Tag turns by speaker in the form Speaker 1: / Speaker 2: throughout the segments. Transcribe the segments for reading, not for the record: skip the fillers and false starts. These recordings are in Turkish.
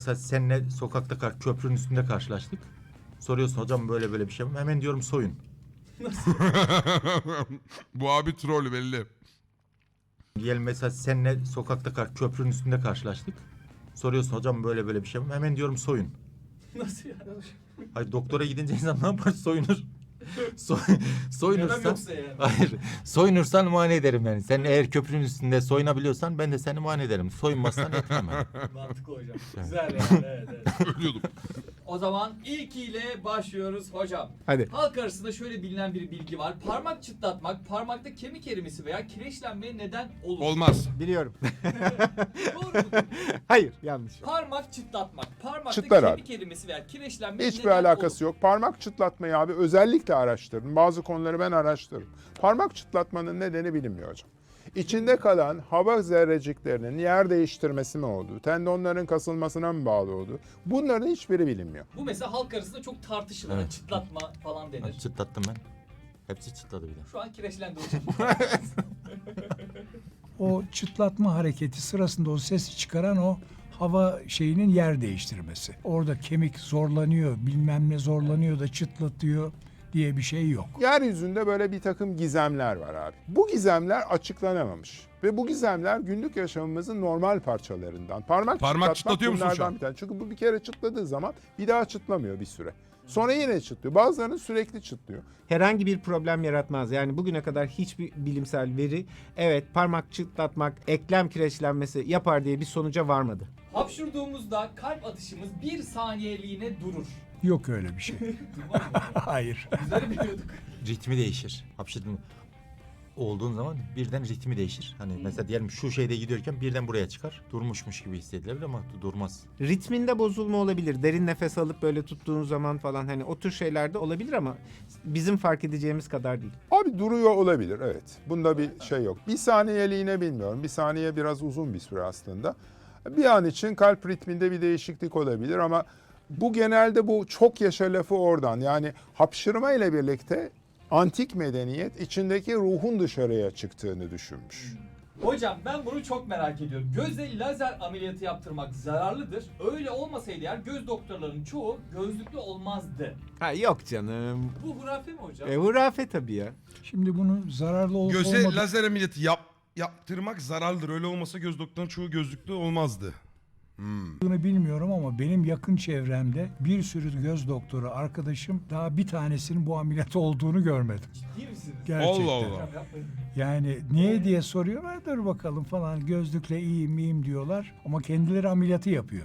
Speaker 1: Mesela seninle sokakta köprünün üstünde karşılaştık. Soruyorsun hocam böyle böyle bir şey mi? Hemen diyorum soyun.
Speaker 2: Bu abi troll belli.
Speaker 1: Diyelim mesela seninle sokakta köprünün üstünde karşılaştık. Soruyorsun hocam böyle böyle bir şey mi? Hemen diyorum soyun.
Speaker 3: Nasıl yani?
Speaker 1: Hayır, doktora gidince insan ne yapar? Soyunur. So
Speaker 3: Neden
Speaker 1: soyunursan.
Speaker 3: yoksa yani?
Speaker 1: Hayır. Soyunursan muayene ederim yani. Sen eğer köprünün üstünde soyunabiliyorsan ben de seni muayene ederim. Soyunmazsan etmem.
Speaker 3: Mantıklı hocam. Güzel yani. Evet.
Speaker 2: Ölüyordum.
Speaker 3: O zaman ilkiyle başlıyoruz hocam.
Speaker 4: Hadi.
Speaker 3: Halk arasında şöyle bilinen bir bilgi var. Parmak çıtlatmak parmakta kemik erimesi veya kireçlenmeye neden olur.
Speaker 2: Olmaz.
Speaker 4: Biliyorum.
Speaker 3: Doğru mu?
Speaker 4: Hayır, yanlış.
Speaker 3: Parmak çıtlatmak parmakta
Speaker 5: Çıtlar
Speaker 3: kemik erimesi veya kireçlenmeye
Speaker 5: Hiçbir
Speaker 3: neden
Speaker 5: alakası
Speaker 3: olur.
Speaker 5: yok. Parmak çıtlatmayı abi özellikle araştırın. Bazı konuları ben araştırırım. Parmak çıtlatmanın nedeni bilinmiyor hocam. İçinde kalan hava zerreciklerinin yer değiştirmesi mi oldu? Tendonların kasılmasına mı bağlı oldu? Bunların hiçbiri bilinmiyor.
Speaker 3: Bu mesela halk arasında çok tartışılır.
Speaker 1: Evet.
Speaker 3: Çıtlatma falan denir.
Speaker 1: Çıtlattım ben. Hepsi çıtladı bir de.
Speaker 3: Şu an kireçlendi hocam.
Speaker 6: O çıtlatma hareketi sırasında o sesi çıkaran o hava şeyinin yer değiştirmesi. Orada kemik zorlanıyor, bilmem ne zorlanıyor da çıtlatıyor diye bir şey yok.
Speaker 5: Yeryüzünde böyle bir takım gizemler var abi. Bu gizemler açıklanamamış. Ve bu gizemler günlük yaşamımızın normal parçalarından. Parmak çıtlatmak
Speaker 2: çıtlatıyor musun şu
Speaker 5: bunlardan
Speaker 2: an?
Speaker 5: bir tane. Çünkü bu bir kere çıtladığı zaman bir daha çıtlamıyor bir süre. Sonra yine çıtlıyor. Bazılarının sürekli çıtlıyor.
Speaker 4: Herhangi bir problem yaratmaz. Yani bugüne kadar hiçbir bilimsel veri evet parmak çıtlatmak eklem kireçlenmesi yapar diye bir sonuca varmadı.
Speaker 3: Hapşurduğumuzda kalp atışımız 1 saniyeliğine durur.
Speaker 6: Yok öyle bir şey.
Speaker 3: Duymaz mı?
Speaker 6: Hayır.
Speaker 3: Bizleri biliyorduk.
Speaker 1: Ritmi değişir. Hapşırdın olduğun zaman birden ritmi değişir. Hani mesela diyelim şu şeyde gidiyorken birden buraya çıkar. Durmuşmuş gibi hissedilebilir ama durmaz.
Speaker 4: Ritminde bozulma olabilir. Derin nefes alıp böyle tuttuğun zaman falan hani o tür şeyler de olabilir ama bizim fark edeceğimiz kadar değil.
Speaker 5: Abi duruyor olabilir, evet. Bunda bir şey yok. Bir saniyeliğine bilmiyorum. Bir saniye biraz uzun bir süre aslında. Bir an için kalp ritminde bir değişiklik olabilir ama bu genelde bu çok yaşa lafı oradan. Yani hapşırma ile birlikte antik medeniyet içindeki ruhun dışarıya çıktığını düşünmüş.
Speaker 3: Hocam ben bunu çok merak ediyorum. Göze lazer ameliyatı yaptırmak zararlıdır. Öyle olmasaydı eğer göz doktorlarının çoğu gözlüklü olmazdı.
Speaker 4: Ha yok canım.
Speaker 3: Bu hurafe mi hocam?
Speaker 4: Hurafe tabii ya.
Speaker 6: Şimdi bunun zararlı olup
Speaker 2: Göze
Speaker 6: olmadığı
Speaker 2: lazer ameliyatı yaptırmak zararlıdır. Öyle olmasa göz doktorunun çoğu gözlüklü olmazdı.
Speaker 6: bilmiyorum ama benim yakın çevremde bir sürü göz doktoru arkadaşım daha bir tanesinin bu ameliyat olduğunu görmedim.
Speaker 3: Ciddi misiniz?
Speaker 6: Gerçekten.
Speaker 2: Allah Allah.
Speaker 3: Hocam yapmayın.
Speaker 6: Yani niye diye soruyorlar, dur bakalım falan, gözlükle iyiyim diyorlar ama kendileri ameliyatı yapıyor.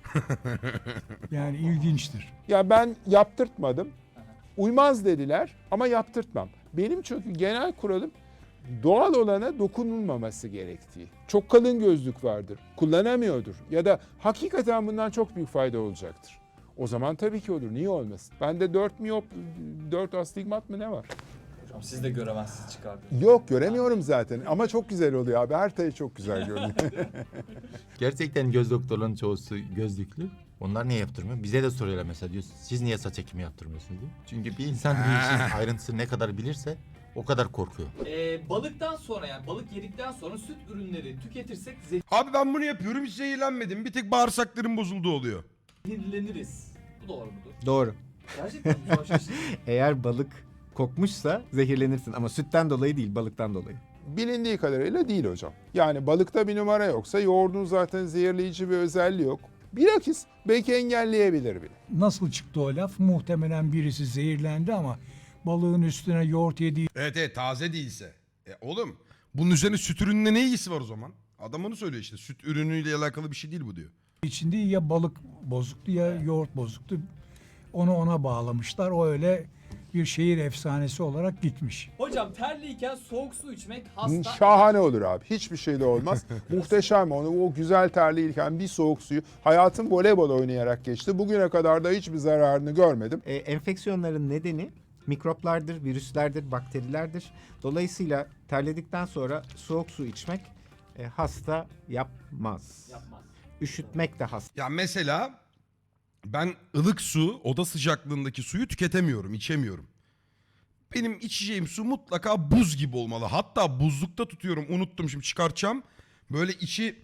Speaker 6: Yani ilginçtir.
Speaker 5: Ya ben yaptırtmadım. Uymaz dediler ama yaptırtmam. Benim çünkü genel kuralım doğal olana dokunulmaması gerektiği. Çok kalın gözlük vardır, kullanamıyordur ya da hakikaten bundan çok büyük fayda olacaktır. O zaman tabii ki olur, niye olmasın? Bende 4 miyop, 4 astigmat mı ne var?
Speaker 3: Hocam siz de göremezsiniz çıkardınız.
Speaker 5: Yok, göremiyorum zaten ama çok güzel oluyor abi, her tayı çok güzel görünüyor.
Speaker 1: Gerçekten göz doktorlarının çoğusu gözlüklü. Onlar niye yaptırmıyor? Bize de soruyorlar mesela, diyor siz niye saç ekimi yaptırmıyorsunuz diye. Çünkü bir insan bir işin ayrıntısını ne kadar bilirse o kadar korkuyor.
Speaker 3: Balıktan sonra yani balık yedikten sonra süt ürünleri tüketirsek
Speaker 2: Abi ben bunu yapıyorum hiç zehirlenmedim. Bir tek bağırsaklarım bozuldu oluyor.
Speaker 3: zehirleniriz. Bu doğru mudur?
Speaker 4: Doğru.
Speaker 3: Gerçekten mi? Şu an şaşırdım.
Speaker 4: Eğer balık kokmuşsa zehirlenirsin ama sütten dolayı değil balıktan dolayı.
Speaker 5: Bilindiği kadarıyla değil hocam. Yani balıkta bir numara yoksa yoğurdun zaten zehirleyici bir özelliği yok. Bilakis belki engelleyebilir bile.
Speaker 6: Nasıl çıktı o laf? Muhtemelen birisi zehirlendi ama balığın üstüne yoğurt yediği
Speaker 2: Evet taze değilse. Oğlum bunun üzerine süt ürününe ne ilgisi var o zaman? Adam onu söylüyor işte. Süt ürünüyle alakalı bir şey değil bu diyor.
Speaker 6: için değil, ya balık bozuktu ya yoğurt bozuktu. Onu ona bağlamışlar. O öyle bir şehir efsanesi olarak gitmiş.
Speaker 3: Hocam terliyken soğuk su içmek hasta.
Speaker 5: Şahane olur abi. Hiçbir şey de olmaz. Muhteşem onu. O güzel terliyken bir soğuk suyu. Hayatım voleybol oynayarak geçti. Bugüne kadar da hiçbir zararını görmedim.
Speaker 4: Enfeksiyonların nedeni mikroplardır, virüslerdir, bakterilerdir. Dolayısıyla terledikten sonra soğuk su içmek hasta yapmaz.
Speaker 3: Yapmaz.
Speaker 4: Üşütmek de hasta.
Speaker 2: Ya mesela ben ılık su, oda sıcaklığındaki suyu tüketemiyorum, içemiyorum. Benim içeceğim su mutlaka buz gibi olmalı. Hatta buzlukta tutuyorum, unuttum şimdi çıkartacağım. Böyle içi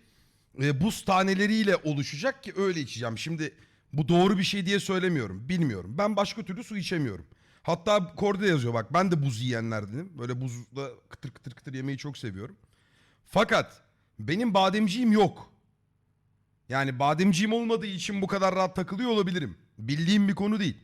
Speaker 2: buz taneleriyle oluşacak ki öyle içeceğim. Şimdi bu doğru bir şey diye söylemiyorum. Bilmiyorum. Ben başka türlü su içemiyorum. Hatta Korda yazıyor bak, ben de buz yiyenlerdenim. Böyle buzda kıtır kıtır kıtır yemeyi çok seviyorum. Fakat benim bademciğim yok. Yani bademciğim olmadığı için bu kadar rahat takılıyor olabilirim. Bildiğim bir konu değil.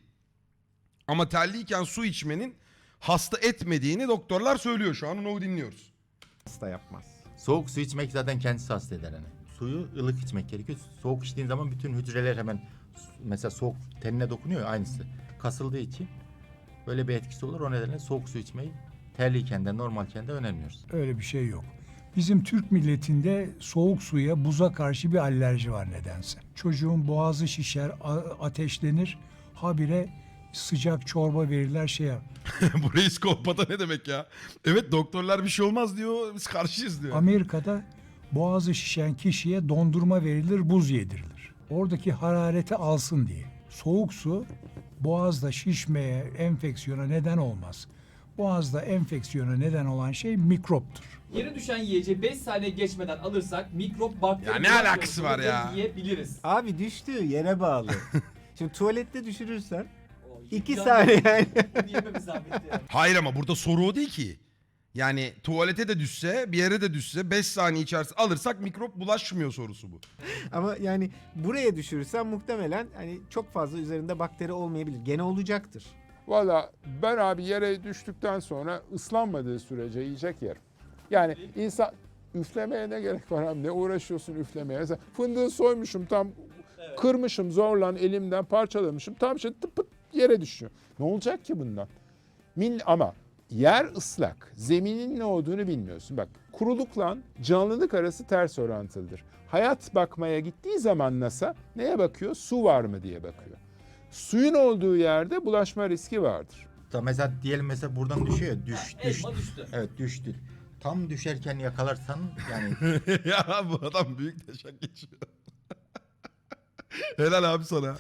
Speaker 2: Ama terliyken su içmenin hasta etmediğini doktorlar söylüyor. Şu an onu dinliyoruz.
Speaker 4: Hasta yapmaz.
Speaker 1: Soğuk su içmek zaten kendisi hasta eder hani. Suyu ılık içmek gerekiyor. Soğuk içtiğin zaman bütün hücreler hemen mesela soğuk tenine dokunuyor ya, aynısı. Kasıldığı için böyle bir etkisi olur. O nedenle soğuk su içmeyi terliyken de normalken de önermiyoruz.
Speaker 6: Öyle bir şey yok. Bizim Türk milletinde soğuk suya, buza karşı bir alerji var nedense. Çocuğun boğazı şişer, ateşlenir. Habire sıcak çorba verirler şeye.
Speaker 2: Bu reis kolpata ne demek ya? Evet, doktorlar bir şey olmaz diyor. Biz karşıyız diyor.
Speaker 6: Amerika'da boğazı şişen kişiye dondurma verilir, buz yedirilir. Oradaki harareti alsın diye. Soğuk su boğazda şişmeye, enfeksiyona neden olmaz. Boğazda enfeksiyona neden olan şey mikroptur.
Speaker 3: Yere düşen yiyeceği 5 saniye geçmeden alırsak mikrop, bakteri...
Speaker 2: Ya ne alakası var ya?
Speaker 3: Yiyebiliriz.
Speaker 4: Abi düştüğü yere bağlı. Şimdi tuvalette düşürürsen
Speaker 3: O,
Speaker 4: 2
Speaker 3: can-
Speaker 4: saniye yani.
Speaker 3: Bunu yememiz zahmetli yani.
Speaker 2: Hayır ama burada soru o değil ki. Yani tuvalete de düşse, bir yere de düşse 5 saniye içerisinde alırsak mikrop bulaşmıyor sorusu bu.
Speaker 4: Ama yani buraya düşürürsen muhtemelen hani çok fazla üzerinde bakteri olmayabilir. Gene olacaktır.
Speaker 5: Valla ben abi yere düştükten sonra ıslanmadığı sürece yiyecek yerim. Yani insan üflemeye ne gerek var abi? Ne uğraşıyorsun üflemeye? Mesela fındığı soymuşum tam,
Speaker 3: Evet.
Speaker 5: kırmışım zorla elimden parçalamışım. Tam şey tıp pıt yere düşüyor. Ne olacak ki bundan? Ama yer ıslak. Zeminin ne olduğunu bilmiyorsun. Bak, kurulukla canlılık arası ters orantılıdır. Hayat bakmaya gittiği zaman NASA neye bakıyor? Su var mı diye bakıyor. Suyun olduğu yerde bulaşma riski vardır.
Speaker 1: Mesela diyelim mesela buradan düşüyor ya, düştü.
Speaker 3: Elma düştü.
Speaker 1: Evet, düştü. Tam düşerken yakalarsan yani
Speaker 2: Ya bu adam büyük taşak geçiyor. Helal abi sana.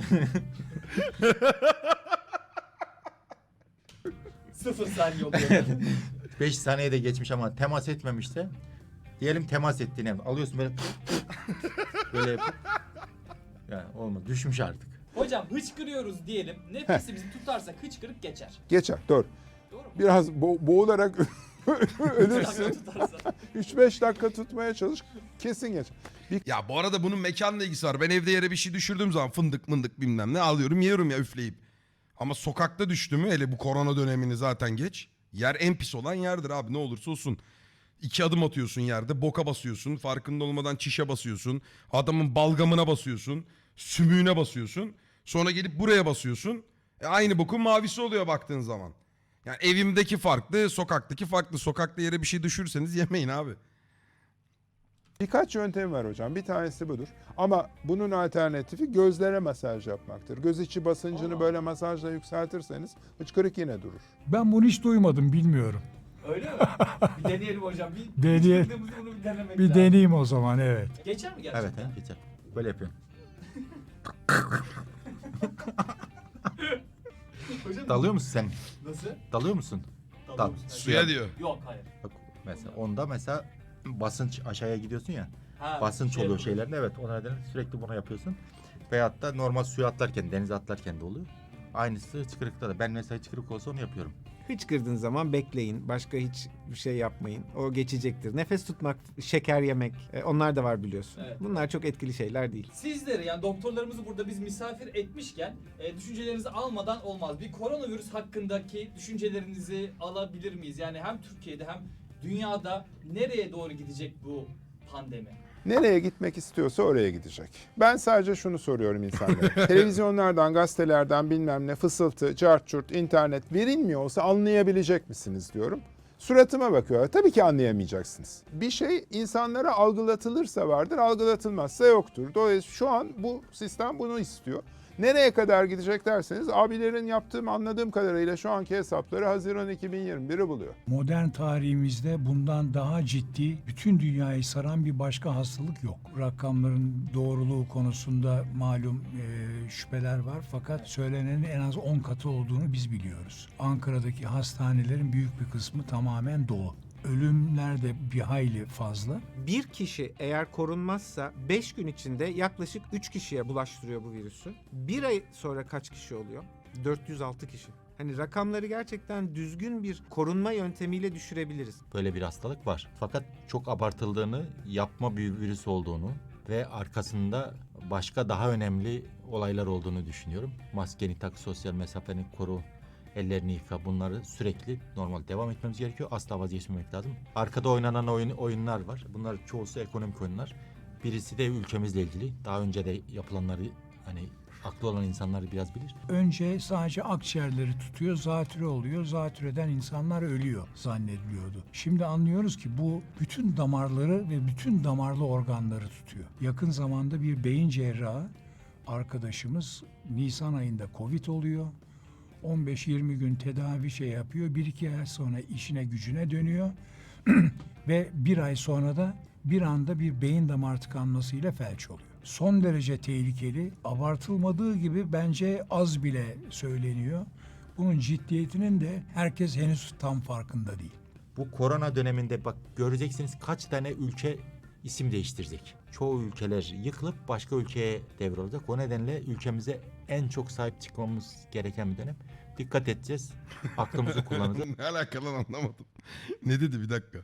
Speaker 3: 0 saniye oluyor.
Speaker 1: 5 saniyede geçmiş ama temas etmemişse, diyelim temas ettiğini alıyorsun böyle böyle yapıp, yani olmaz, düşmüş artık.
Speaker 3: Hocam hıçkırıyoruz diyelim. Nefesimizi tutarsak hıçkırık geçer.
Speaker 5: Geçer, doğru.
Speaker 3: Doğru mu?
Speaker 5: Biraz boğularak ölürsün.
Speaker 3: Hıçkırık tutarsak.
Speaker 5: 3-5 dakika tutmaya çalış, kesin geçer.
Speaker 2: Ya bu arada bunun mekanla ilgisi var. Ben evde yere bir şey düşürdüğüm zaman fındık mındık bilmem ne alıyorum yiyorum ya üfleyip. Ama sokakta düştü mü, hele bu korona dönemini zaten geç. Yer en pis olan yerdir abi, ne olursa olsun. 2 adım atıyorsun yerde, boka basıyorsun, farkında olmadan çişe basıyorsun. Adamın balgamına basıyorsun, sümüğüne basıyorsun. Sonra gelip buraya basıyorsun. Aynı bokun mavisi oluyor baktığın zaman. Yani evimdeki farklı, sokaktaki farklı. Sokakta yere bir şey düşürseniz yemeyin abi.
Speaker 5: Birkaç yöntem var hocam. Bir tanesi budur. Ama bunun alternatifi gözlere masaj yapmaktır. Göz içi basıncını böyle masajla yükseltirseniz hıçkırık yine durur.
Speaker 6: Ben bunu hiç duymadım, bilmiyorum.
Speaker 3: Öyle mi? Bir deneyelim hocam. Bir
Speaker 6: Deneye-
Speaker 3: hıçkırdığımızı bunu bir denemek
Speaker 6: Bir
Speaker 3: lazım.
Speaker 6: deneyeyim o zaman, evet.
Speaker 3: Geçer mi gerçekten?
Speaker 1: Evet, geçer. Böyle yapıyorum.
Speaker 3: Hocam,
Speaker 1: Dalıyor musun sen?
Speaker 3: Nasıl?
Speaker 1: Dalıyor musun?
Speaker 3: Dalıyor
Speaker 1: Dal.
Speaker 3: musun?
Speaker 2: Suya diyor.
Speaker 3: Yok, hayır.
Speaker 1: Bak mesela onda mesela basınç aşağıya gidiyorsun ya.
Speaker 3: Ha,
Speaker 1: Basınç
Speaker 3: şey
Speaker 1: oluyor
Speaker 3: yapıyor.
Speaker 1: şeylerde, evet, o nedenle sürekli bunu yapıyorsun. Veyahut da normal suya atlarken, denize atlarken de oluyor. Aynısı hıçkırıkta da. Ben mesela hıçkırık olsa onu yapıyorum.
Speaker 4: Hıçkırdığın zaman bekleyin. Başka hiç bir şey yapmayın. O geçecektir. Nefes tutmak, şeker yemek, onlar da var biliyorsun.
Speaker 3: Evet.
Speaker 4: Bunlar çok etkili şeyler değil.
Speaker 3: Sizleri, yani doktorlarımızı burada biz misafir etmişken düşüncelerinizi almadan olmaz. Bir koronavirüs hakkındaki düşüncelerinizi alabilir miyiz? Yani hem Türkiye'de hem dünyada nereye doğru gidecek bu pandemi?
Speaker 5: Nereye gitmek istiyorsa oraya gidecek. Ben sadece şunu soruyorum insanlara. Televizyonlardan, gazetelerden bilmem ne fısıltı, cart curt, internet verilmiyor olsa anlayabilecek misiniz diyorum. Suratıma bakıyorlar. Tabii ki anlayamayacaksınız. Bir şey insanlara algılatılırsa vardır, algılatılmazsa yoktur. Dolayısıyla şu an bu sistem bunu istiyor. Nereye kadar gidecek derseniz abilerin yaptığım anladığım kadarıyla şu anki hesapları Haziran 2021'i buluyor.
Speaker 6: Modern tarihimizde bundan daha ciddi, bütün dünyayı saran bir başka hastalık yok. Rakamların doğruluğu konusunda malum şüpheler var, fakat söylenenin en az 10 katı olduğunu biz biliyoruz. Ankara'daki hastanelerin büyük bir kısmı tamamen dolu. Ölümler de bir hayli fazla.
Speaker 4: Bir kişi eğer korunmazsa 5 gün içinde yaklaşık 3 kişiye bulaştırıyor bu virüsü. Bir ay sonra kaç kişi oluyor? 406 kişi. Hani rakamları gerçekten düzgün bir korunma yöntemiyle düşürebiliriz.
Speaker 1: Böyle bir hastalık var. Fakat çok abartıldığını, yapma bir virüs olduğunu ve arkasında başka daha önemli olaylar olduğunu düşünüyorum. Maskeni tak, sosyal mesafeni koru, ellerini yıka, bunları sürekli normal devam etmemiz gerekiyor. Asla vazgeçmemek lazım. Arkada oynanan oyunlar var. Bunlar çoğusu ekonomik oyunlar. Birisi de ülkemizle ilgili. Daha önce de yapılanları hani aklı olan insanlar biraz bilir.
Speaker 6: Önce sadece akciğerleri tutuyor, zatürre oluyor. Zatürreden insanlar ölüyor zannediliyordu. Şimdi anlıyoruz ki bu bütün damarları ve bütün damarlı organları tutuyor. Yakın zamanda bir beyin cerrahı arkadaşımız Nisan ayında Covid oluyor. 15-20 gün tedavi yapıyor. 1-2 ay sonra işine gücüne dönüyor. Ve bir ay sonra da bir anda bir beyin damar tıkanmasıyla felç oluyor. Son derece tehlikeli. Abartılmadığı gibi bence az bile söyleniyor. Bunun ciddiyetinin de herkes henüz tam farkında değil.
Speaker 1: Bu korona döneminde bak göreceksiniz kaç tane ülke isim değiştirecek. Çoğu ülkeler yıkılıp başka ülkeye devrolacak. O nedenle ülkemize en çok sahip çıkmamız gereken bir dönem. Dikkat edeceğiz. Aklımızı kullanacağız.
Speaker 2: Ne alakalı lan, anlamadım. Ne dedi, bir dakika.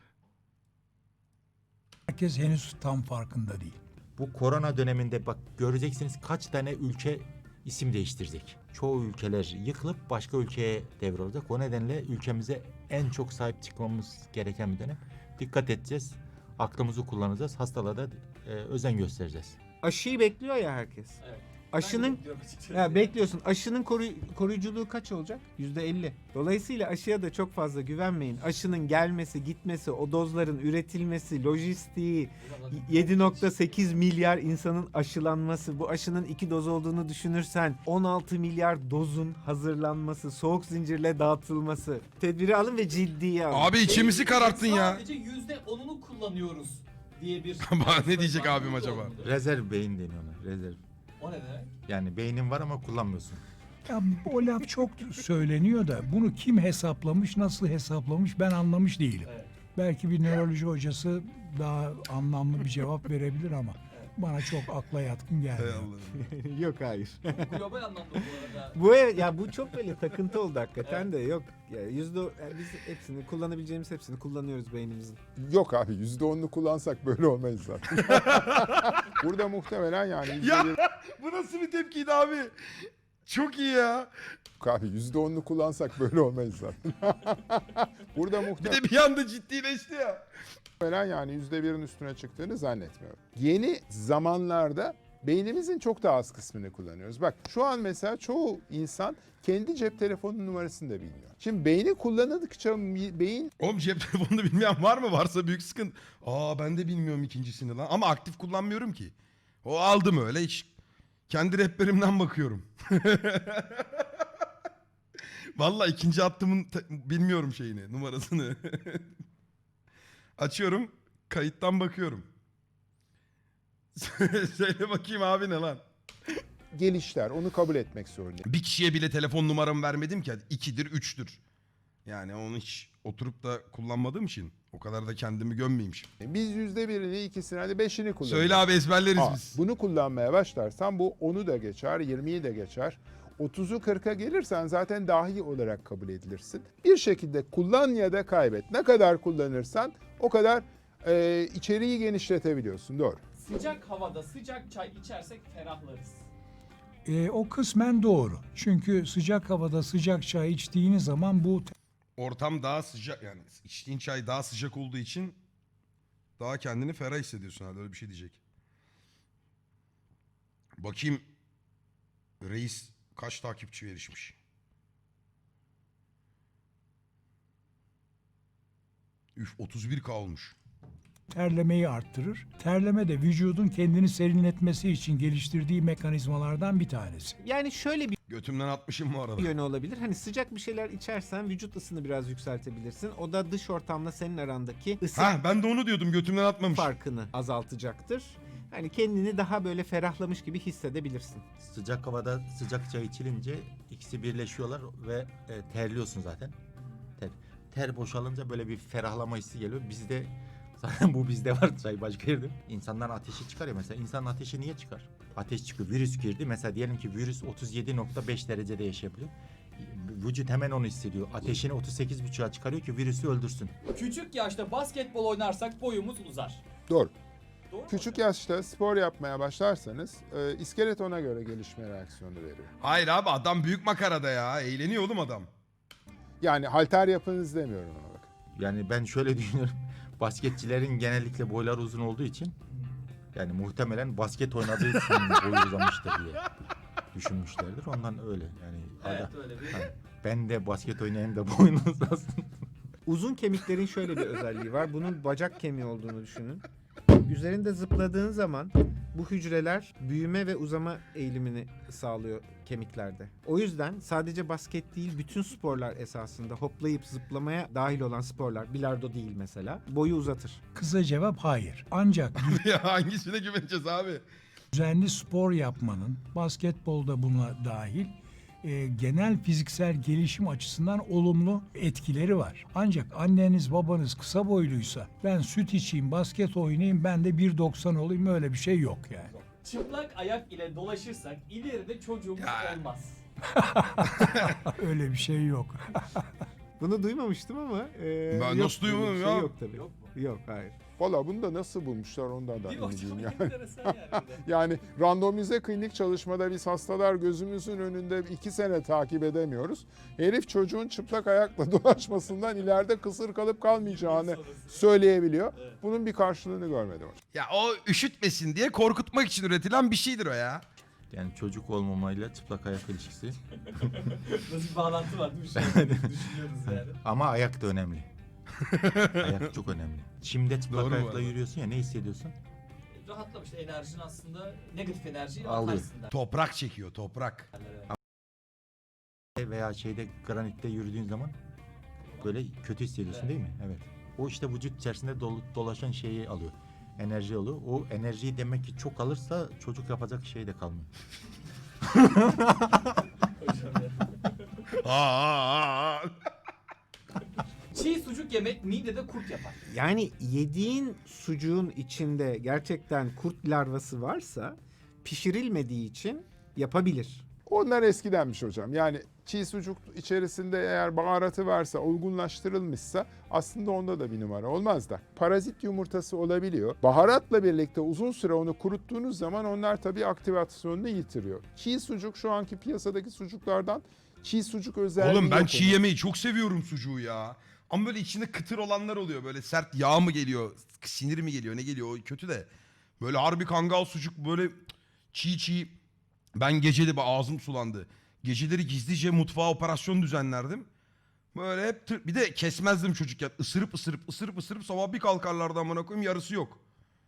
Speaker 6: Herkes henüz tam farkında değil.
Speaker 1: Bu korona döneminde bak göreceksiniz kaç tane ülke isim değiştirecek. Çoğu ülkeler yıkılıp başka ülkeye devrolacak. O nedenle ülkemize en çok sahip çıkmamız gereken bir dönem. Dikkat edeceğiz. Aklımızı kullanacağız. Hastalığa da özen göstereceğiz.
Speaker 4: Aşıyı bekliyor ya herkes.
Speaker 3: Evet.
Speaker 4: Aşının
Speaker 3: Ben de bekliyorum açıkçası.
Speaker 4: ya bekliyorsun. Aşının koruyuculuğu kaç olacak? %50. Dolayısıyla aşıya da çok fazla güvenmeyin. Aşının gelmesi, gitmesi, o dozların üretilmesi, lojistiği, 7.8 milyar insanın aşılanması, bu aşının 2 doz olduğunu düşünürsen 16 milyar dozun hazırlanması, soğuk zincirle dağıtılması. Tedbiri alın ve ciddiye alın.
Speaker 2: Abi içimizi kararttın ya.
Speaker 3: Sadece %10'unu kullanıyoruz diye bir...
Speaker 2: Ne diyecek abim acaba?
Speaker 1: Rezerv beyin deniyor ona. Rezerv.
Speaker 3: O ne demek?
Speaker 1: Yani beynin var ama kullanmıyorsun.
Speaker 6: Ya o laf çok söyleniyor da bunu kim hesaplamış, nasıl hesaplamış ben anlamış değilim.
Speaker 3: Evet.
Speaker 6: Belki bir nöroloji hocası daha anlamlı bir cevap verebilir ama bana çok akla yatkın
Speaker 2: Hay
Speaker 6: gelmiyor.
Speaker 2: Allah'ım.
Speaker 4: Yok hayır.
Speaker 3: Global anlamda bu arada.
Speaker 4: Bu çok böyle takıntı oldu hakikaten de yok. Ya biz hepsini kullanabileceğimiz hepsini kullanıyoruz beynimizin.
Speaker 5: Yok abi %10'unu kullansak böyle olmayız zaten. Burada muhtemelen yani
Speaker 2: Ya bu nasıl bir tepkiydi abi? Çok iyi ya.
Speaker 5: abi %10'unu kullansak böyle olmayız zaten. Burada
Speaker 2: Bir
Speaker 5: muhtemelen
Speaker 2: de bir anda ciddileşti ya.
Speaker 5: yani %1'in üstüne çıktığını zannetmiyorum. Yeni zamanlarda beynimizin çok daha az kısmını kullanıyoruz. Bak şu an mesela çoğu insan kendi cep telefonunun numarasını da bilmiyor. Şimdi beyni kullanıldıkça beyin
Speaker 2: Oğlum cep telefonunu bilmeyen var mı? Varsa büyük sıkıntı. Ben de bilmiyorum ikincisini lan. Ama aktif kullanmıyorum ki. O aldım öyle, hiç kendi rehberimden bakıyorum. Vallahi ikinci hattımın bilmiyorum şeyini, numarasını. Açıyorum, kayıttan bakıyorum. Söyle bakayım abi, ne lan?
Speaker 5: gelişler. Onu kabul etmek zorundayım.
Speaker 2: Bir kişiye bile telefon numaramı vermedim ki. 2'dir, 3'tür. Yani onu hiç oturup da kullanmadığım için o kadar da kendimi gömmeyeyim şimdi.
Speaker 5: Biz %1'ini, ikisini, hadi 5'ini kullanıyoruz.
Speaker 2: Söyle abi, ezberleriz biz.
Speaker 5: Bunu kullanmaya başlarsan bu 10'u da geçer, 20'yi de geçer. 30'u 40'a gelirsen zaten dahi olarak kabul edilirsin. Bir şekilde kullan ya da kaybet. Ne kadar kullanırsan o kadar içeriği genişletebiliyorsun. Doğru.
Speaker 3: Sıcak havada sıcak çay içersek ferahlarız.
Speaker 6: O kısmen doğru. Çünkü sıcak havada sıcak çay içtiğiniz zaman bu
Speaker 2: Ortam daha sıcak, yani içtiğin çay daha sıcak olduğu için daha kendini ferah hissediyorsun herhalde, öyle bir şey diyecek. Bakayım reis kaç takipçi erişmiş. Üf, 31K olmuş.
Speaker 6: terlemeyi arttırır. Terleme de vücudun kendini serinletmesi için geliştirdiği mekanizmalardan bir tanesi.
Speaker 4: Yani şöyle bir
Speaker 2: Götümden atmışım bu arada.
Speaker 4: yönü olabilir. Hani sıcak bir şeyler içersen vücut ısını biraz yükseltebilirsin. O da dış ortamla senin arandaki ısı
Speaker 2: Ben de onu diyordum, götümden atmamış.
Speaker 4: farkını azaltacaktır. Hani kendini daha böyle ferahlamış gibi hissedebilirsin.
Speaker 1: Sıcak havada sıcak çay içilince ikisi birleşiyorlar ve terliyorsun zaten. ter boşalınca böyle bir ferahlama hissi geliyor. Bizde zaten bu bizde var, çay başka yerde. İnsanların ateşi çıkar ya mesela. İnsanın ateşi niye çıkar? Ateş çıkıyor. Virüs girdi. Mesela diyelim ki virüs 37.5 derecede yaşayabiliyor. Vücut hemen onu hissediyor. Ateşini 38.5'a çıkarıyor ki virüsü öldürsün.
Speaker 3: Küçük yaşta basketbol oynarsak boyumuz uzar.
Speaker 5: Doğru.
Speaker 3: Doğru mu
Speaker 5: Küçük
Speaker 3: hocam?
Speaker 5: yaşta spor yapmaya başlarsanız iskelet ona göre gelişme reaksiyonu veriyor.
Speaker 2: Hayır abi adam büyük makarada ya. Eğleniyor oğlum adam.
Speaker 5: Yani halter yapınız demiyorum ona bak.
Speaker 1: Yani ben şöyle düşünüyorum. Basketçilerin genellikle boyları uzun olduğu için yani muhtemelen basket oynadığı için boyu uzamıştır diye düşünmüşlerdir. Ondan öyle yani.
Speaker 3: Evet
Speaker 1: Ada-
Speaker 3: öyle bir.
Speaker 1: hani ben de basket oynayayım da boyun uzasın.
Speaker 4: Uzun kemiklerin şöyle bir özelliği var. Bunun bacak kemiği olduğunu düşünün. Üzerinde zıpladığın zaman bu hücreler büyüme ve uzama eğilimini sağlıyor kemiklerde. O yüzden sadece basket değil, bütün sporlar esasında hoplayıp zıplamaya dahil olan sporlar, bilardo değil mesela, boyu uzatır.
Speaker 6: Kısa cevap hayır. Ancak
Speaker 2: Ya hangisine güveneceğiz abi?
Speaker 6: düzenli spor yapmanın, basketbolda buna dahil, genel fiziksel gelişim açısından olumlu etkileri var. Ancak anneniz babanız kısa boyluysa ben süt içeyim, basket oynayayım, ben de 1.90 olayım, öyle bir şey yok yani.
Speaker 3: Çıplak ayak ile dolaşırsak ileride çocuğumuz
Speaker 2: Ya.
Speaker 3: olmaz.
Speaker 6: Öyle bir şey yok.
Speaker 4: Bunu duymamıştım ama
Speaker 2: Ben
Speaker 4: yok,
Speaker 2: nasıl
Speaker 4: böyle bir
Speaker 2: duymadım
Speaker 4: şey
Speaker 2: ya?
Speaker 4: Yok tabii.
Speaker 3: Yok mu?
Speaker 4: Yok, hayır.
Speaker 5: Valla bunu da nasıl bulmuşlar ondan da
Speaker 3: Değil mi
Speaker 5: emin
Speaker 3: hocam?
Speaker 5: değilim yani.
Speaker 3: Enteresan yani. bir de.
Speaker 5: Yani randomize klinik çalışmada biz hastalar gözümüzün önünde 2 sene takip edemiyoruz. Herif çocuğun çıplak ayakla dolaşmasından ileride kısır kalıp kalmayacağını söyleyebiliyor.
Speaker 3: Evet.
Speaker 5: Bunun bir karşılığını görmedim hocam.
Speaker 2: Ya o üşütmesin diye korkutmak için üretilen bir şeydir o ya.
Speaker 1: Yani çocuk olmamayla çıplak ayak ilişkisi.
Speaker 3: Nasıl bir bağlantı var değil mi? Düşünüyoruz yani.
Speaker 1: Ama ayak da önemli. Ayak çok önemli. Çimde çıplak
Speaker 2: Doğru bu
Speaker 1: ayakla
Speaker 2: arada.
Speaker 1: yürüyorsun ya, ne hissediyorsun?
Speaker 3: Rahatlamış enerjin aslında negatif enerjiyi
Speaker 1: Alıyor.
Speaker 3: atarsın der.
Speaker 2: Toprak çekiyor toprak.
Speaker 1: Veya şeyde granitte yürüdüğün zaman böyle kötü hissediyorsun
Speaker 3: Evet.
Speaker 1: değil mi? Evet. O işte vücut içerisinde dolaşan şeyi alıyor. Enerji alıyor. O enerjiyi demek ki çok alırsa çocuk yapacak şey de kalmıyor.
Speaker 3: Hocam ya.
Speaker 2: Aa.
Speaker 3: Çiğ sucuk yemek midede kurt yapar.
Speaker 4: Yani yediğin sucuğun içinde gerçekten kurt larvası varsa pişirilmediği için yapabilir.
Speaker 5: Onlar eskidenmiş hocam. Yani çiğ sucuk içerisinde eğer baharatı varsa, olgunlaştırılmışsa aslında onda da bir numara olmaz da. Parazit yumurtası olabiliyor. Baharatla birlikte uzun süre onu kuruttuğunuz zaman onlar tabii aktivasyonunu yitiriyor. Çiğ sucuk şu anki piyasadaki sucuklardan çiğ sucuk özelliği
Speaker 2: Oğlum ben
Speaker 5: yok
Speaker 2: çiğ
Speaker 5: onun.
Speaker 2: yemeyi çok seviyorum sucuğu ya. Ama böyle içinde kıtır olanlar oluyor. Böyle sert yağ mı geliyor, sinir mi geliyor, ne geliyor o kötü de. Böyle harbi kangal sucuk böyle çiğ. Ben geceleri ağzım sulandı. Geceleri gizlice mutfağa operasyon düzenlerdim. Böyle hep bir de kesmezdim çocukken. Isırıp sabah bir kalkarlardı amına koyayım, yarısı yok.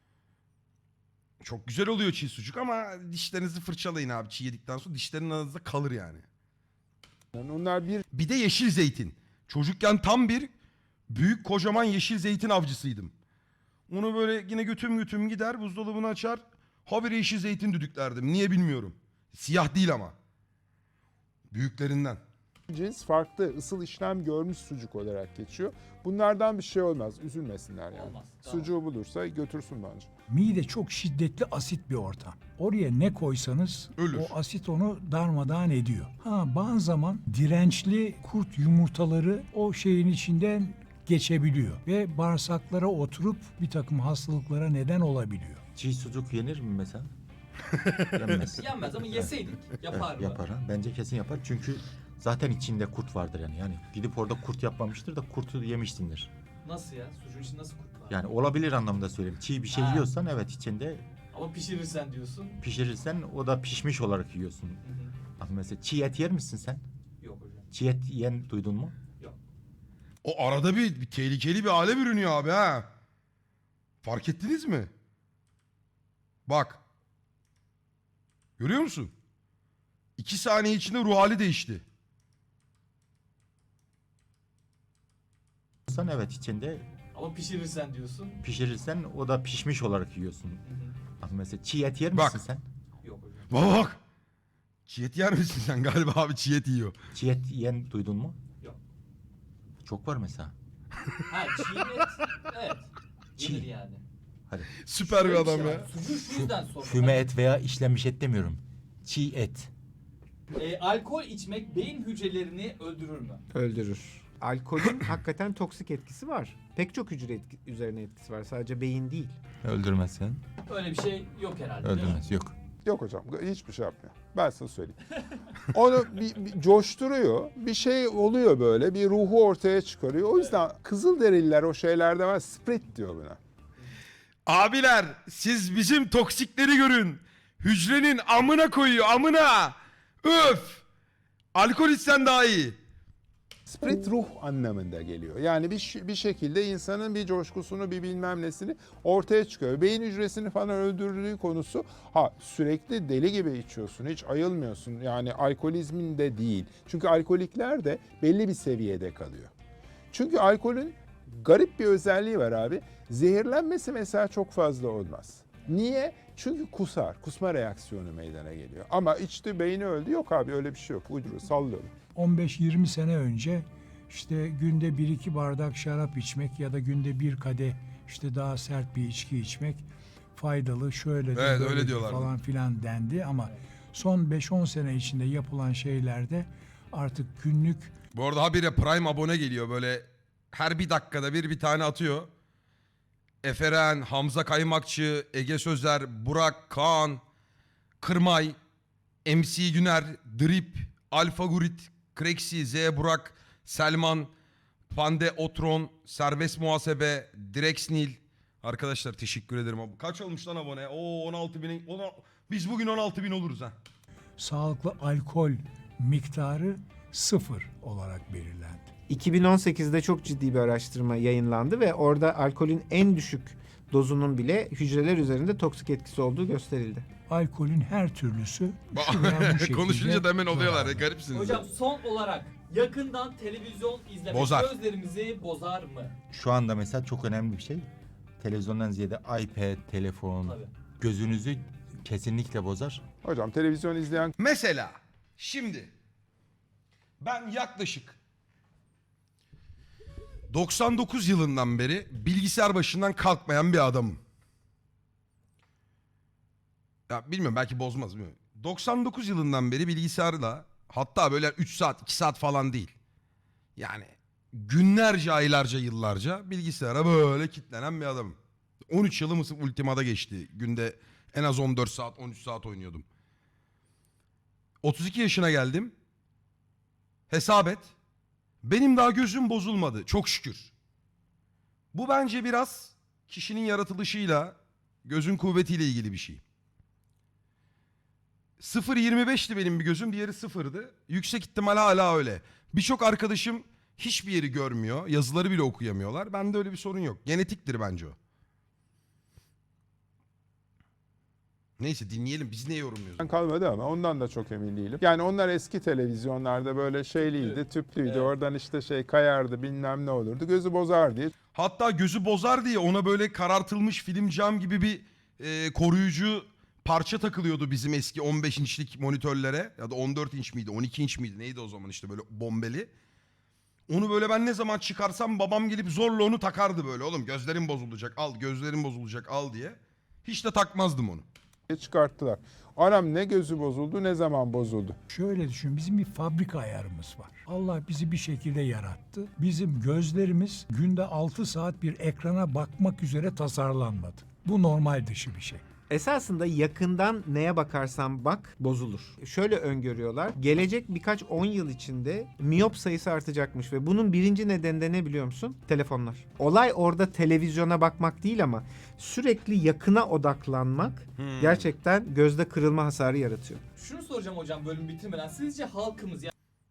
Speaker 2: Çok güzel oluyor çiğ sucuk ama dişlerinizi fırçalayın abi çiğ yedikten sonra, dişlerin arasında kalır yani.
Speaker 5: Yani onlar bir
Speaker 2: Bir de yeşil zeytin. Çocukken tam bir büyük kocaman yeşil zeytin avcısıydım. Onu böyle yine götüm gider buzdolabını açar. Habire yeşil zeytin düdüklerdim. Niye bilmiyorum. Siyah değil ama. Büyüklerinden.
Speaker 5: cins farklı ısıl işlem görmüş sucuk olarak geçiyor. Bunlardan bir şey olmaz. Üzülmesinler yani.
Speaker 3: Olmaz, tamam.
Speaker 5: Sucuğu bulursa götürsün bence.
Speaker 6: Mide çok şiddetli asit bir ortam. Oraya ne koysanız
Speaker 2: Ölür.
Speaker 6: o asit onu darmadağın ediyor. Bazı zaman dirençli kurt yumurtaları o şeyin içinden geçebiliyor ve bağırsaklara oturup bir takım hastalıklara neden olabiliyor.
Speaker 1: Çiğ sucuk yenir mi mesela? Yenmez.
Speaker 3: Yenmez ama yeseydik yapar mı?
Speaker 1: Yapar ha. Bence kesin yapar. Çünkü zaten içinde kurt vardır yani. Yani gidip orada kurt yapmamıştır da kurtu yemişsindir.
Speaker 3: Nasıl ya? Sucuğun içinde nasıl kurt var?
Speaker 1: Yani olabilir anlamda söyleyeyim. Çiğ bir şey
Speaker 3: Ha.
Speaker 1: yiyorsan evet içinde
Speaker 3: Ama pişirirsen diyorsun.
Speaker 1: pişirirsen o da pişmiş olarak yiyorsun.
Speaker 3: Hı hı.
Speaker 1: Ama mesela çiğ et yer misin sen?
Speaker 3: Yok hocam.
Speaker 1: Çiğ et yiyen duydun mu?
Speaker 3: Yok.
Speaker 2: O arada bir tehlikeli bir hale bürünüyor abi ha. Fark ettiniz mi? Bak. Görüyor musun? 2 saniye içinde ruh hali değişti.
Speaker 1: Sen evet içinde
Speaker 3: Ama pişirirsen diyorsun.
Speaker 1: pişirirsen o da pişmiş olarak yiyorsun.
Speaker 3: Hı hı.
Speaker 1: Ama mesela çiğ et yer
Speaker 2: Bak.
Speaker 1: misin sen?
Speaker 3: Yok hocam.
Speaker 2: Bak. Çiğ et yer misin sen? Galiba abi çiğ et yiyor.
Speaker 1: Çiğ et yiyen duydun mu?
Speaker 3: Yok.
Speaker 1: Çok var mesela.
Speaker 3: Ha çiğ et. Evet.
Speaker 1: Çiğ.
Speaker 3: Yenir yani.
Speaker 1: Hadi.
Speaker 2: Süper bir
Speaker 3: Şöyle
Speaker 2: adam
Speaker 3: şey var,
Speaker 2: ya.
Speaker 3: Sucuğu şu yüzden sordum.
Speaker 1: Füme et veya işlenmiş et demiyorum. Çiğ et.
Speaker 3: Alkol içmek beyin hücrelerini öldürür mü?
Speaker 4: Öldürür. Alkolün hakikaten toksik etkisi var. Pek çok hücre üzerine etkisi var. Sadece beyin değil.
Speaker 1: Öldürmez sen.
Speaker 3: Öyle bir şey yok herhalde. değil mi?
Speaker 1: Öldürmez. Yok.
Speaker 5: Yok hocam hiçbir şey yapmıyor. Ben sana söyleyeyim. Onu bir coşturuyor. Bir şey oluyor böyle. Bir ruhu ortaya çıkarıyor. O yüzden Kızılderililer o şeylerde var. Sprit diyor buna.
Speaker 2: Abiler siz bizim toksikleri görün. Hücrenin amına koyuyor amına. Öf. Alkol içsen daha iyi.
Speaker 5: Sprit ruh anlamında geliyor. Yani bir şekilde insanın bir coşkusunu, bir bilmem nesini ortaya çıkıyor. Beyin hücresini falan öldürdüğü konusu, sürekli deli gibi içiyorsun, hiç ayılmıyorsun. Yani alkolizmin de değil. Çünkü alkolikler de belli bir seviyede kalıyor. Çünkü alkolün garip bir özelliği var abi. Zehirlenmesi mesela çok fazla olmaz. Niye? Çünkü kusma reaksiyonu meydana geliyor. Ama içti, beyni öldü. Yok abi öyle bir şey yok. Uyduruyor, sallıyor.
Speaker 6: 15-20 sene önce işte günde 1-2 bardak şarap içmek ya da günde bir kadeh işte daha sert bir içki içmek faydalı, şöyle de
Speaker 2: Evet,
Speaker 6: böyle
Speaker 2: öyle
Speaker 6: de
Speaker 2: diyorlardı.
Speaker 6: falan filan dendi ama son 5-10 sene içinde yapılan şeylerde artık günlük
Speaker 2: Bu arada habire Prime abone geliyor böyle her bir dakikada bir tane atıyor. Eferen, Hamza Kaymakçı, Ege Sözer, Burak, Kaan, Kırmay, MC Güner, Drip, Alfa Gurit, Kreksi, Z Burak, Selman, Pande Otron, Serbest Muhasebe, Drexnil. Arkadaşlar teşekkür ederim. Kaç olmuş lan abone? Oo 16 bin. Biz bugün 16 bin oluruz ha.
Speaker 6: sağlıklı alkol miktarı 0 olarak belirlendi.
Speaker 4: 2018'de çok ciddi bir araştırma yayınlandı ve orada alkolün en düşük dozunun bile hücreler üzerinde toksik etkisi olduğu gösterildi.
Speaker 6: Alkolün her türlüsü şu veya bu şekilde
Speaker 2: Konuşunca da hemen oluyorlar ya
Speaker 6: zararlı.
Speaker 2: garipsiniz.
Speaker 3: Hocam son olarak yakından televizyon izlemek
Speaker 2: Bozar.
Speaker 3: gözlerimizi bozar mı?
Speaker 1: Şu anda mesela çok önemli bir şey. Televizyondan ziyade iPad, telefon
Speaker 3: Tabii.
Speaker 1: gözünüzü kesinlikle bozar.
Speaker 5: Hocam televizyon izleyen
Speaker 2: Mesela şimdi ben yaklaşık 99 yılından beri bilgisayar başından kalkmayan bir adamım. Ya bilmiyorum belki bozmaz bilmiyorum. 99 yılından beri bilgisayarla hatta böyle 3 saat 2 saat falan değil. Yani günlerce aylarca yıllarca bilgisayara böyle kilitlenen bir adamım. 13 yılım Ultima'da geçti. Günde en az 14 saat 13 saat oynuyordum. 32 yaşına geldim. Hesap et. Benim daha gözüm bozulmadı çok şükür. Bu bence biraz kişinin yaratılışıyla, gözün kuvvetiyle ilgili bir şey. 0.25'ti benim bir gözüm, diğeri 0'dı. Yüksek ihtimal hala öyle. Birçok arkadaşım hiçbir yeri görmüyor, yazıları bile okuyamıyorlar. Bende öyle bir sorun yok. Genetiktir bence o. Neyse dinleyelim, biz ne yorumluyoruz?
Speaker 5: kalmadı ama ondan da çok emin değilim. Yani onlar eski televizyonlarda böyle şeyliydi, tüplüydü.
Speaker 3: Evet.
Speaker 5: Oradan işte kayardı bilmem ne olurdu. Gözü bozar diye.
Speaker 2: Hatta gözü bozar diye ona böyle karartılmış film cam gibi bir koruyucu parça takılıyordu bizim eski 15 inçlik monitörlere. Ya da 14 inç miydi 12 inç miydi neydi o zaman işte böyle bombeli. Onu böyle ben ne zaman çıkarsam babam gelip zorla onu takardı böyle. Oğlum gözlerin bozulacak al, gözlerin bozulacak al diye. Hiç de takmazdım onu.
Speaker 5: Çıkarttılar. Anam ne gözü bozuldu ne zaman bozuldu.
Speaker 6: Şöyle düşün, bizim bir fabrika ayarımız var. Allah bizi bir şekilde yarattı. Bizim gözlerimiz günde 6 saat bir ekrana bakmak üzere tasarlanmadı. Bu normal dışı bir şey.
Speaker 4: Esasında yakından neye bakarsan bak bozulur. Şöyle öngörüyorlar. Gelecek birkaç 10 yıl içinde miyop sayısı artacakmış ve bunun birinci nedeni de ne biliyor musun? Telefonlar. Olay orada televizyona bakmak değil ama sürekli yakına odaklanmak gerçekten gözde kırılma hasarı yaratıyor.
Speaker 3: Şunu soracağım hocam bölüm bitirmeden. Sizce halkımız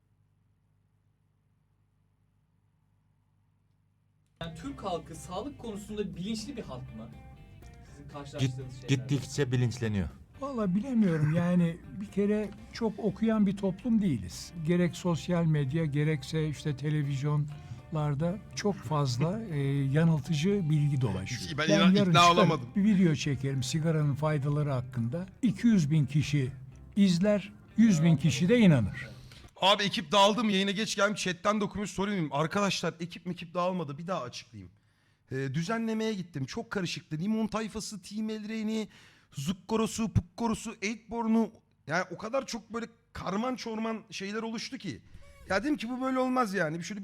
Speaker 3: yani Türk halkı sağlık konusunda bilinçli bir halk mı? Sizin karşılaştığınız şeyler.
Speaker 1: Gittikçe bilinçleniyor.
Speaker 6: Vallahi bilemiyorum yani bir kere çok okuyan bir toplum değiliz. Gerek sosyal medya gerekse işte televizyonlarda çok fazla yanıltıcı bilgi dolaşıyor.
Speaker 2: Ben
Speaker 6: yarın
Speaker 2: ikna
Speaker 6: çıkarıp
Speaker 2: olamadım.
Speaker 6: bir video çekerim sigaranın faydaları hakkında. 200 bin kişi izler, 100 bin kişi de inanır.
Speaker 2: Abi ekip dağıldı mı? Yayına geç geldim. Chatten de okumuş sorayım. Arkadaşlar ekip dağılmadı. Bir daha açıklayayım. Düzenlemeye gittim. Çok karışıktı. Limon tayfası, Team Elreyni, Zukkorosu, Pukkorosu, Eightborn'u. Yani o kadar çok böyle karman çorman şeyler oluştu ki. Ya dedim ki bu böyle olmaz yani. Bir şöyle